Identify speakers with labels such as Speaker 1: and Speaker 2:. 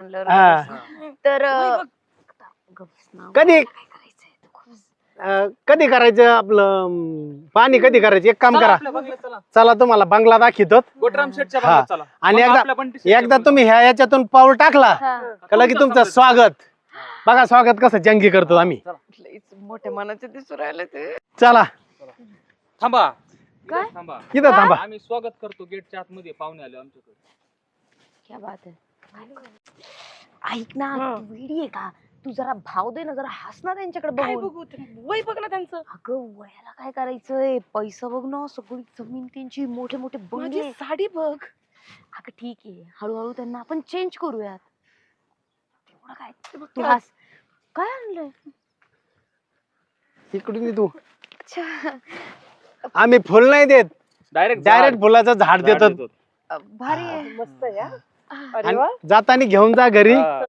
Speaker 1: म्हणल्यावर
Speaker 2: हा.
Speaker 1: तर
Speaker 2: कधी कधी करायचं आपलं पाणी कधी करायचं एक काम करा चला तुम्हाला बंगला दाखवतो
Speaker 3: गोटराम शेठच्या
Speaker 2: हा.
Speaker 3: भागात चला.
Speaker 2: आणि
Speaker 3: मग
Speaker 2: एकदा
Speaker 3: आपल्या बंटी शेठच्या
Speaker 2: एकदा
Speaker 3: भागात
Speaker 2: तुम्ही ह्या याच्यातून पाऊल टाकला का लगे तुमचं स्वागत बघा स्वागत कसं जंगी करतो आम्ही
Speaker 1: मोठ्या मनाचे दिसू राहिले ते
Speaker 2: चला
Speaker 3: थांबा
Speaker 1: काय?
Speaker 3: थांबा
Speaker 2: इथं थांबा
Speaker 3: आम्ही स्वागत करतो गेटच्या आतमध्ये पाहुणे आले आमच्याकडे.
Speaker 1: क्या बात आहे ऐक ना तू वेडी आहे का तू जरा भाव दे ना जरा हस ना त्यांच्याकडे बघून
Speaker 4: वय बघ ना त्यांचं.
Speaker 1: अगं वयाला काय करायचंय पैसा बघ ना सगळी जमीन त्यांची मोठे मोठे बंगले
Speaker 4: माझी साडी बघ.
Speaker 1: अगं ठीक आहे हळूहळू त्यांना आपण चेंज करूयात तेवढं काय तू हस काय आणलंय
Speaker 2: इकडून ये तू आम्ही फुल नाही देत डायरेक्ट फुलाचं झाड देतो
Speaker 1: भारी आहे
Speaker 4: मस्त आहे हा. अरे
Speaker 2: आणि
Speaker 4: वा.
Speaker 2: जाताना घेऊन जा घरी
Speaker 3: हा.